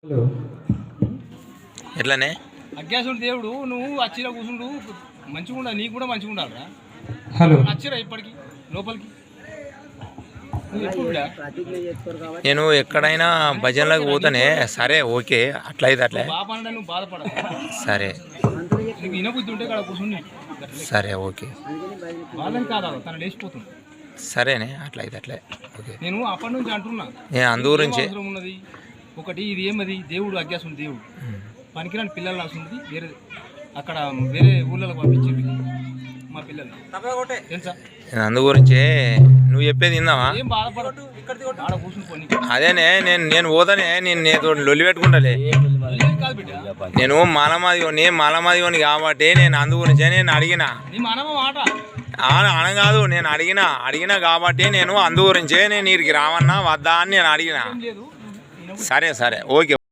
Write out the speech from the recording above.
ఎట్లానే అజ్ఞాసుడు దేవుడు నువ్వు అచ్చిరా కూర్చుండు మంచిగా ఉండాలి, నీకు కూడా మంచిగా ఉండాలిరా. హలో అచ్చిరా ఇప్పటికి లోపలికి నేను ఎక్కడైనా భజనలకు పోతానే. సరే ఓకే, అట్లయితే అట్లే బాపా నువ్వు బాధపడ. సరే నీకు ఇనబుద్ధి ఉంటే ఇక్కడ కూర్చుని సరే ఓకే. వాళ్ళని కాదా తను లేచిపోతుంది. సరేనే అట్లయితే అట్లే ఓకే. నేను అప్పటి నుంచి అంటున్నా నేను అందు గురించి అవసరం ఉన్నది ఒకటి. ఇది ఏమది దేవుడు అజ్ఞాసుడు దేవుడు పనికిరాని పిల్లలు రాసుంది. వేరే అక్కడ వేరే ఊళ్ళలో పంపించింది మా పిల్లలు తెలుసా. నేను అందు గురించి నువ్వు చెప్పేది విందావా? ఏం బాధపడదు, ఆడ కూర్చుని పోనీ. అదేనే నేను పోతానే. నేను నీతో లొల్లి పెట్టుకుంటాలే. కాదు బిడ్డ, నేను మాలమాదిని కాబట్టి నేను అందు గురించే నేను అడిగిన. నీ మనమ మాట అనగాదు, నేను అడిగినా కాబట్టి నేను అందు గురించే నేను వీరికి రావన్నా వద్దా అని నేను అడిగిన. లేదు. సరే సరే ఓకే.